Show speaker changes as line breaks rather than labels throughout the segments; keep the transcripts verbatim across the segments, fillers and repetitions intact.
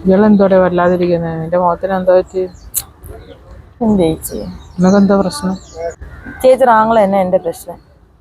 ഇയാളെന്തോടെ വല്ലാതിരിക്കുന്നത്? നിന്റെ മുഖത്തിന് എന്താ പറ്റി?
എന്ത് ചേച്ചി
നിനക്കെന്താ പ്രശ്നം?
ചേച്ചി ആങ്ങളെ തന്നെ എന്റെ പ്രശ്നം.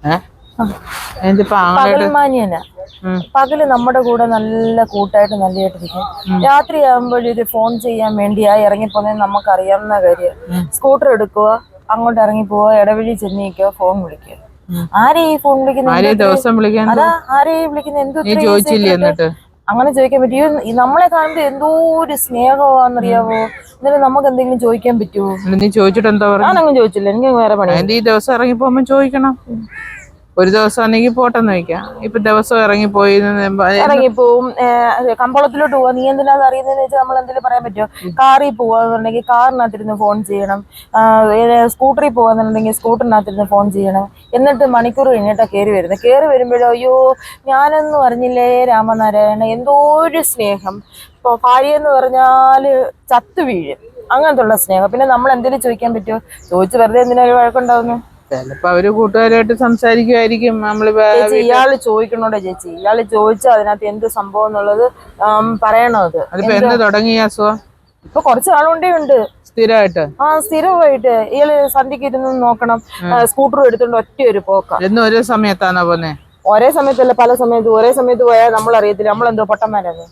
പകൽമാനിയനാ. പകല് നമ്മുടെ കൂടെ നല്ല കൂട്ടായിട്ട് നല്ലതായിട്ടിരിക്കും. രാത്രി ആകുമ്പോഴൊരു ഫോൺ ചെയ്യാൻ വേണ്ടിയാ ഇറങ്ങിപ്പോന്നെ നമുക്ക് അറിയാവുന്ന കാര്യം. സ്കൂട്ടർ എടുക്കുക, അങ്ങോട്ട് ഇറങ്ങി പോവുക, ഇടവഴി ചെന്നിരിക്കുക, ഫോൺ വിളിക്കുക. ആരെയും ഈ ഫോൺ വിളിക്കുന്നത്? അതാ ആരെയും വിളിക്കുന്നത് എന്തോ അങ്ങനെ ചോദിക്കാൻ പറ്റുമോ? നമ്മളെ കാണുമ്പോ എന്തോ ഒരു സ്നേഹമാണെന്നറിയാവോ? എന്നാലും നമുക്ക് എന്തെങ്കിലും ചോദിക്കാൻ പറ്റുമോ?
നീ ചോദിച്ചിട്ട് എന്താ പറയുക?
ഞാനങ്ങ് ചോദിച്ചില്ല, എനിക്ക് വേറെ പണി.
ഈ ദിവസം ഇറങ്ങി പോകുമ്പോ ചോദിക്കണം. ഒരു ദിവസം ആണെങ്കിൽ പോട്ടെന്ന് വയ്ക്കാം. ഇപ്പൊ ദിവസം ഇറങ്ങിപ്പോയി
ഇറങ്ങിപ്പോവും. കമ്പോളത്തിലോട്ട് പോവാ, നീ എന്തിനാ അറിയുന്നതെന്ന് വെച്ചാൽ നമ്മൾ എന്തെങ്കിലും പറയാൻ പറ്റുമോ? കാറിൽ പോവാന്നുണ്ടെങ്കിൽ കാറിനകത്തിരുന്ന് ഫോൺ ചെയ്യണം. സ്കൂട്ടറിൽ പോവാന്നുണ്ടെങ്കിൽ സ്കൂട്ടറിനകത്തിരുന്ന് ഫോൺ ചെയ്യണം. എന്നിട്ട് മണിക്കൂർ കഴിഞ്ഞിട്ടാ കയറി വരുന്നത്. കയറി വരുമ്പോഴോ അയ്യോ ഞാനൊന്നും അറിഞ്ഞില്ലേ രാമനാരായണ, എന്തോ ഒരു സ്നേഹം. ഇപ്പൊ ഭാര്യ എന്ന് പറഞ്ഞാല് ചത്തു വീഴും, അങ്ങനത്തെ ഉള്ള സ്നേഹം. പിന്നെ നമ്മൾ എന്തെങ്കിലും ചോദിക്കാൻ പറ്റുമോ? ചോദിച്ചു വെറുതെ എന്തിനാ ഒരു വഴക്കുണ്ടാവുന്നു?
ചിലപ്പോ അവര് കൂട്ടുകാരായിട്ട് സംസാരിക്കുമായിരിക്കും. നമ്മള്
ചേച്ചി ഇയാള് ചോദിക്കണോടെ ചേച്ചി? ഇയാള് ചോദിച്ചാൽ അതിനകത്ത് എന്ത് സംഭവം എന്നുള്ളത് പറയണോ? അത്
അതിപ്പോ എന്ന് തുടങ്ങിയ അസുഖം?
ഇപ്പൊ കുറച്ച് നാളുകൊണ്ടേ ഉണ്ട്.
സ്ഥിരമായിട്ട്? ആ
സ്ഥിരമായിട്ട്. ഇയാള് സന്ധ്യക്ക് ഇരുന്ന് നോക്കണം, സ്കൂട്ടർ എടുത്തോണ്ട് ഒറ്റ ഒരു പോക്ക.
എന്ന് ഒരേ സമയത്താണോ പോന്നെ?
ഒരേ സമയത്തല്ല, പല സമയത്ത്. ഒരേ സമയത്ത് പോയാൽ നമ്മൾ അറിയത്തില്ല. നമ്മളെന്തോ പൊട്ടന്മാരാണ്.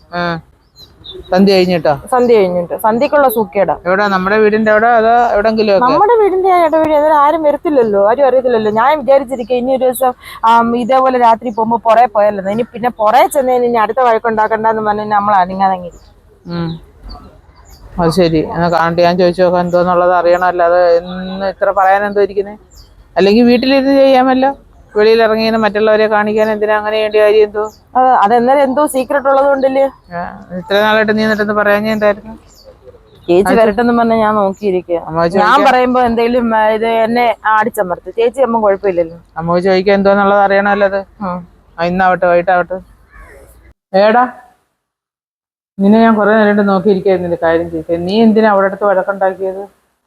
സന്ധ്യ കഴിഞ്ഞിട്ടോ? സന്ധ്യ കഴിഞ്ഞിട്ട്.
സന്ധ്യക്കുള്ള സൂക്കേടാ.
എവിടെ? നമ്മുടെ വീടിന്റെ അവിടെ അതോ എവിടെങ്കിലും?
നമ്മുടെ വീടിന്റെ ഇടവഴി. അതിൽ ആരും വരത്തില്ലല്ലോ, ആരും അറിയത്തില്ലല്ലോ. ഞാൻ വിചാരിച്ചിരിക്കുക ഇനി ഒരു ദിവസം ഇതേപോലെ രാത്രി പോകുമ്പോ പുറേ പോയല്ലോ, ഇനി പിന്നെ പുറേ ചെന്നതിന് ഇനി അടുത്ത വഴക്കുണ്ടാക്കണ്ടെന്ന് പറഞ്ഞാൽ നമ്മൾ അനങ്ങാതെങ്ങിരിക്കും.
അത് ശരി. എന്നാ കാണട്ടെ, ഞാൻ ചോദിച്ചു നോക്കാം എന്തോന്നുള്ളത് അറിയണമല്ലോ. അത് എന്ന് ഇത്ര പറയാൻ എന്തോ ഇരിക്കുന്നേ? അല്ലെങ്കിൽ വീട്ടിലിരുന്ന് ചെയ്യാമല്ലോ. വെളിയിൽ ഇറങ്ങിയ മറ്റുള്ളവരെ കാണിക്കാൻ എന്തിനാ അങ്ങനെ വേണ്ട കാര്യം? എന്തോ
അതെന്നാലും എന്തോ സീക്രട്ട് ഉള്ളത് കൊണ്ടല്ലേ.
ഇത്ര നാളായിട്ട് നീ എന്നിട്ടെന്ന് പറയാൻ എന്തായിരുന്നു?
ചേച്ചി വരട്ടെന്ന് പറഞ്ഞാൽ ഞാൻ നോക്കിയിരിക്കുക. ഞാൻ പറയുമ്പോ എന്തെങ്കിലും ഇത് എന്നെ അടിച്ചമർത്ത്. ചേച്ചി അമ്മ കുഴപ്പമില്ലല്ലോ.
അമ്മ ചോദിക്കാൻ എന്തോന്നുള്ളത് അറിയണമല്ലോ. അത് ഇന്നാവട്ടെ വൈകിട്ടാവട്ടെ. ഏടാ നിന്നെ ഞാൻ കുറെ നേരിട്ട് നോക്കിയിരിക്കായിരുന്നില്ല. കാര്യം ചെയ്തേ, നീ എന്തിനാ അവിടെ അടുത്ത് വഴക്കുണ്ടാക്കിയത്?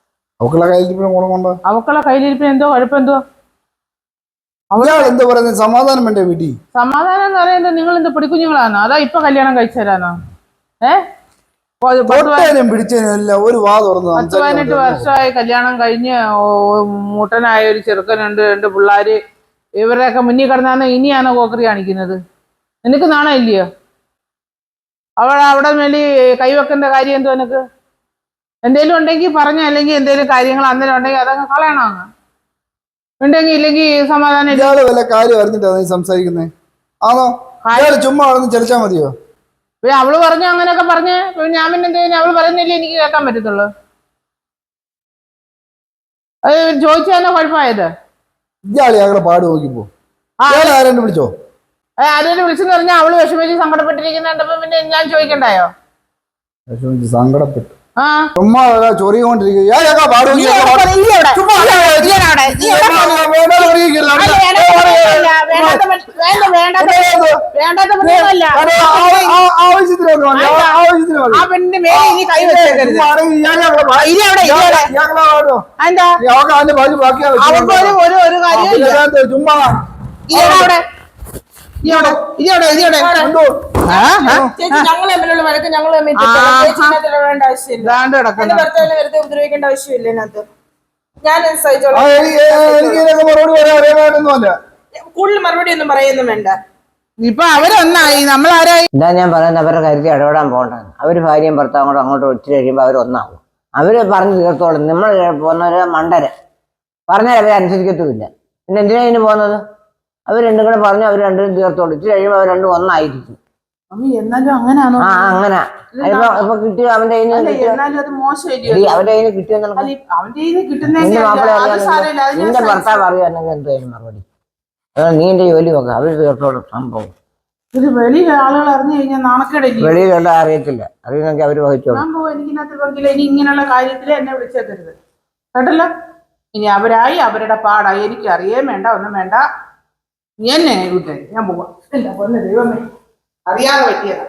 അവക്കുള്ള കയ്യിലിരിപ്പിന് എന്തോ കുഴപ്പമെന്തോ?
സമാധാനം വേണ്ടേ വീട്ടിൽ?
സമാധാനം എന്ന് പറയുന്നത് നിങ്ങൾ എന്ത് പിടിക്കുഞ്ഞുങ്ങളാണോ? അതാ ഇപ്പൊ കല്യാണം കഴിച്ചു തരാനോ? ഏഹ്
ഒരു വാ തുറന്നു.
പത്ത് പതിനെട്ട് വർഷമായി കല്യാണം കഴിഞ്ഞ് മുട്ടനായ ഒരു ചെറുക്കനുണ്ട്, രണ്ട് പിള്ളേര്. ഇവരുടെയൊക്കെ മുന്നിൽ കിടന്നാണ് ഇനിയാണോ കോക്കറി കാണിക്കുന്നത്? നിനക്ക് നാണം ഇല്ലയോ? അവൾ അവിടെ മേലി കൈവെക്കേണ്ട കാര്യം എന്തോ? നിനക്ക് എന്തേലും ഉണ്ടെങ്കിൽ പറഞ്ഞ, അല്ലെങ്കിൽ എന്തേലും കാര്യങ്ങൾ അന്നേരം ഉണ്ടെങ്കിൽ അതങ്ങ് കളയണോ? അങ്ങ് ഉണ്ടെങ്കിൽ ഇല്ലെങ്കിൽ സമാധാനം
വല്ല കാര്യം അറിഞ്ഞിട്ടാ നീ സംസാരിക്കുന്നേ? ആണോ? ചുമ്മാ അവിടെ ചലിച്ചാ മതിയോ?
പിന്നെ അവള് പറഞ്ഞു അങ്ങനെയൊക്കെ പറഞ്ഞ് ഞാൻ പിന്നെ എന്ത് കഴിഞ്ഞാൽ അവള് പറയുന്നില്ലേ എനിക്ക് കേൾക്കാൻ പറ്റത്തുള്ളൂ. അത് ചോദിച്ചാലോ കുഴപ്പമായത്?
ഇയാളെ ഞങ്ങളെ പാട് നോക്കിപ്പോ ആരെങ്കിലും വിളിച്ചോ?
ആരെങ്കിലും വിളിച്ചെന്ന് പറഞ്ഞാൽ അവള് വിഷമിച്ച് സങ്കടപ്പെട്ടിരിക്കുന്ന കണ്ടപ്പോ പിന്നെ ഞാൻ ചോദിക്കണ്ടായോ?
വിഷമിച്ച് സങ്കടപ്പെട്ടു.
ആ
ചുമ്മാ ചൊറിയോണ്ടിരിക്കും.
ഉപദ്രവിക്കേണ്ട ആവശ്യമില്ല. കൂടുതൽ മറുപടി ഒന്നും പറയുന്നു വേണ്ട.
ഇപ്പൊ അവരൊന്നായി, നമ്മളാരായി?
ഇതാ ഞാൻ പറയുന്നത്, അവരുടെ കാര്യത്തിൽ ഇടപെടാൻ പോകണ്ടെന്ന്. അവര് ഭാര്യയും ഭർത്താവും കൂടെ അങ്ങോട്ട് ഒത്തിരി കഴിയുമ്പോൾ അവരൊന്നാവും. അവര് പറഞ്ഞു തീർത്തോളും. നമ്മൾ പോകുന്നവര് മണ്ടര് പറഞ്ഞാൽ അവരെ അനുസരിക്കത്തുമില്ല. പിന്നെ എന്തിനാ ഇതിന് പോകുന്നത്? അവർ രണ്ടും കൂടെ പറഞ്ഞു അവർ രണ്ടും തീർത്തോളും. ഇത്തിരി കഴിയുമ്പോൾ അവർ രണ്ടും ഒന്നായിരിക്കും.
എന്നാലും അങ്ങനെയാണോ?
ആ അങ്ങനെ ഇപ്പൊ കിട്ടിയ അവന്റെ കയ്യിൽ നിന്ന് അവന്റെ കയ്യിൽ നിന്ന് കിട്ടിയെന്നുള്ള നിന്റെ ഭർത്താവ് അറിയാമെങ്കിൽ എന്തായാലും മറുപടി. നീ എന്റെ ജോലി നോക്കാം, അവര് തീർത്തോളും സംഭവം.
വെളിയിൽ ആളുകൾ അറിഞ്ഞു കഴിഞ്ഞാൽ നാണക്കേടില്ല.
വെളിയിലുള്ള അറിയത്തില്ല, അറിയുന്നെങ്കിൽ അവര് വഹിച്ചോളും.
ഇനി ഇങ്ങനെയുള്ള കാര്യത്തിൽ എന്നെ വിളിച്ചേക്കരുത് കേട്ടല്ലോ. ഇനി അവരായി അവരുടെ പാടായി, എനിക്ക് അറിയാൻ വേണ്ട, ഒന്നും വേണ്ട. നീ എന്നെ വിട്ടേ, ഞാൻ പോവാം. ദൈവമേ, അറിയാതെ പറ്റിയതാ.